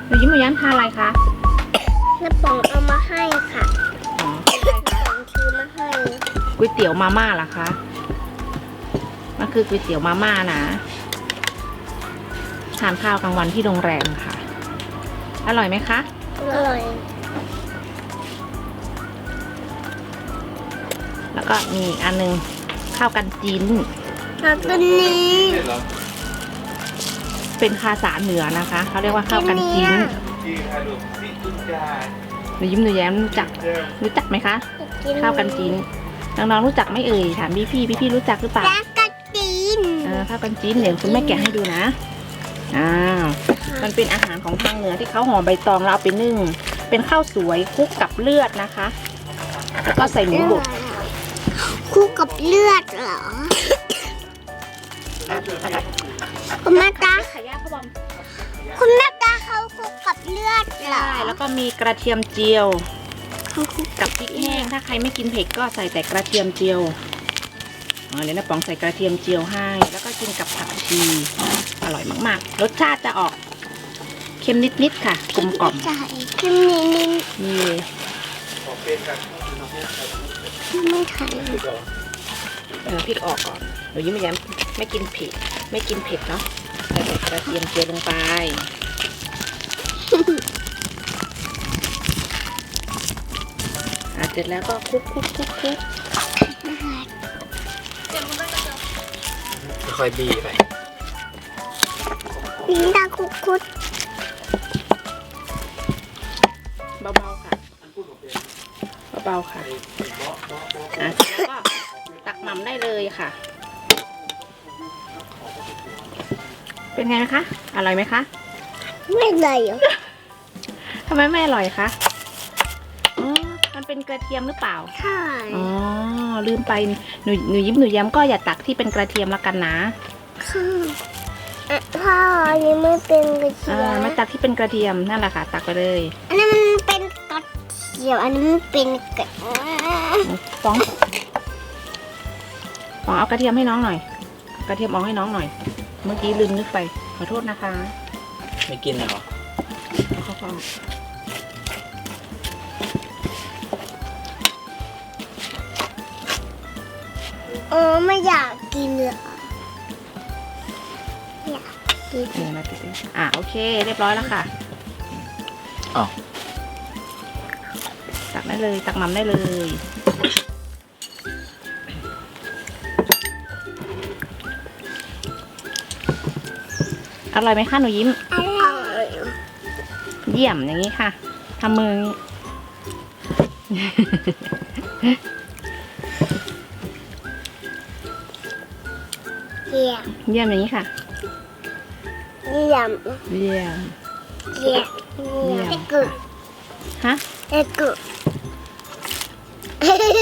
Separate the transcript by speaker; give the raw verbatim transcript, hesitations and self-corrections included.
Speaker 1: หนูยิ้มหนูแย้มทานอะไรคะ
Speaker 2: น้าป๋องเอามาให้ค่ะ
Speaker 1: อ๋อ
Speaker 2: น้าป๋องซื้อมาให้
Speaker 1: ก๋วยเตี๋ยวมาม่าเหรอคะมันคือก๋วยเตี๋ยวมาม่านะทานข้าวกลางวันที่โรงแรมค่ะอร่อยไหมคะ
Speaker 2: อร่อย
Speaker 1: แล้วก็มีอีกอันนึงข้าวกันจีน
Speaker 2: แล้วตัวนี้
Speaker 1: เป็นภาษาเหนือนะคะเขาเรียกว่าข้าวกันจีนหนูยิ้มหนูแย้มรู้จักรู้จักไหมคะข้าวกันจีนน้องๆรู้จักไหมเอ่ยถามพี่พี่พี่พี่รู้จักหรือเปล่า
Speaker 2: แล้วก็จีน
Speaker 1: เออข้าวกันจีนเดี๋ยวคุณแม่แกะให้ดูนะอ้าวมันเป็นอาหารของทางเหนือที่เขาห่อใบตองแล้วเอาไปนึ่งเป็นข้าวสวยคลุกกับเลือดนะคะแล้วก็ใส่หมูบด
Speaker 2: คู่กับเลือดเหรอคุณแม่ตา
Speaker 1: ไข่ย่างข้าวบอม
Speaker 2: คุณแม่ตาเขาคู่กับเลือดเหรอ
Speaker 1: ใช่แล้วก็มีกระเทียมเจียว
Speaker 2: เขาคู่
Speaker 1: กับพริกแห้งถ้าใครไม่กินเผ็ดก็ใส่แต่กระเทียมเจียวอ๋อเดี๋ยวน้าป๋องใส่กระเทียมเจียวให้แล้วก็กินกับผักชีอร่อยมากๆรสชาติจะออกเค็มนิดๆค่ะกลมกล่อม
Speaker 2: ใช่ขึ้นนิดนิด
Speaker 1: มี
Speaker 2: ไม่ถ่าย
Speaker 1: เออพริกออกก่อนหนูยิ้มไม่แย้มไม่กินเผ็ดไม่กินเผ็ดเนาะใส่แต่กระเทียมเจียวลงไปอ่ะเสร็จแล้วก็คลุกคลุกคลุกคลุก
Speaker 3: ค่อยๆบีไป
Speaker 2: ลิ้นตาคุกคุด
Speaker 1: เบาๆค่ะเบาๆค่ะอ่ะเสร็จแล้วก็ตักหม่ำได้เลยค่ะ เป็นไงคะอร่อยไหมคะ
Speaker 2: ไม่เลยเหรอ
Speaker 1: ทำไมไม่อร่อยคะอ๋อมันเป็นกระเทียมหรือเปล่า
Speaker 2: ใช่
Speaker 1: อ๋อลืมไปหนูหนูยิ้มหนูแย้มก็อย่าตักที่เป็นกระเทียมละกันนะ
Speaker 2: ค่ะอ่ะพ่ออันนี้ไม่เป็นกระเที
Speaker 1: อ่าย
Speaker 2: ม
Speaker 1: ไม่ตักที่เป็นกระเทียมนั่นแหละค่ะ ตักไปเลย
Speaker 2: อันนี้มันเป็นกระเทียมอันนี้มันเป็นกระ
Speaker 1: ฟองฟองเอากระเทียมให้น้องหน่อย กระเทียมออกให้น้องหน่อย เมื่อกี้ลืมนึกไปขอโทษนะคะ
Speaker 3: ไม่กินเหรอ
Speaker 1: เอาเข้าฟอง
Speaker 2: เออไม่อยากกินเลยอยากกิน
Speaker 1: เดี๋ยวนะติดอ่ะโอเค เรียบร้อยแล้วค่ะ
Speaker 3: อ้าว
Speaker 1: ตักได้เลยตักหม่ำได้เลย อร่อยไหมคะหนูยิ้ม
Speaker 2: อร่อย
Speaker 1: เยี่ยมอย่างนี้ค่ะทำมืออย่างนี้
Speaker 2: เยี่ยม
Speaker 1: เยี่ยมอย่างนี้ค่ะ
Speaker 2: เยี่ยม
Speaker 1: เยี่ยม
Speaker 2: เยี่ยม
Speaker 1: เยี่ยม
Speaker 2: เอ็กกุ
Speaker 1: ฮะ
Speaker 2: เอ็กกุ